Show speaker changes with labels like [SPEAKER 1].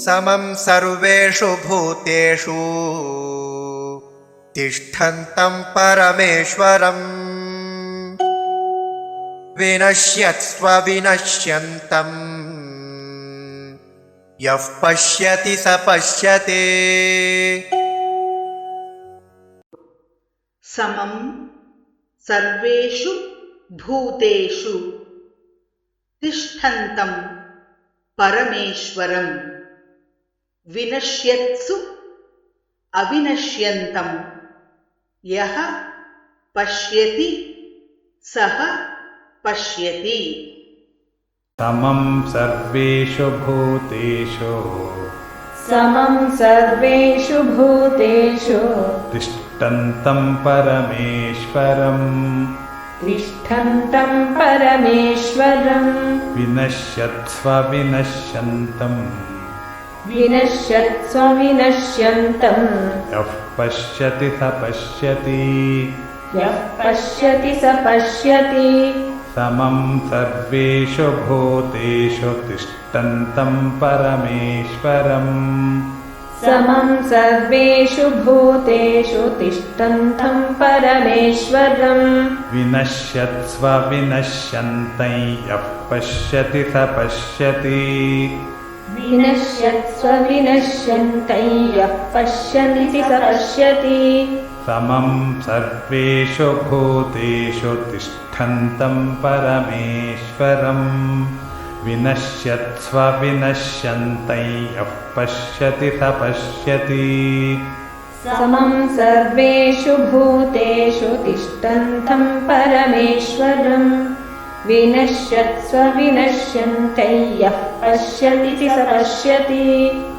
[SPEAKER 1] समं सर्वेषु भूतेषु तिष्ठन्तं परमेश्वरम् विनश्यत्स्व विनश्यन्तम् यः पश्यति स पश्यति।
[SPEAKER 2] समं सर्वेषु भूतेषु तिष्ठन्तं परमेश्वरं विनश्यत्सु अविनश्यन्तं यः पश्यति सः पश्यति।
[SPEAKER 3] समं सर्वेषु भूतेषु तिष्ठन्तं परमेश्वरं विनश्यत्स्व विनश्यन्तं यः पश्यति स पश्यति। समं सर्वेषु भूतेषु तिष्ठन्तं परमेश्वरं विनश्यत्स्व विनश्यन्तं यः पश्यति स पश्यति। समं सर्वेषु भूतेषु तिष्ठन्तं परमेश्वरं विनश्यत्स्व विनश्यन्तं यः पश्यति स पश्यति।
[SPEAKER 4] समं सर्वेषु भूतेषु तिष्ठन्तं परमेश्वरं विनश्यत्स्व विनश्यन्तं यः पश्यति स पश्यति।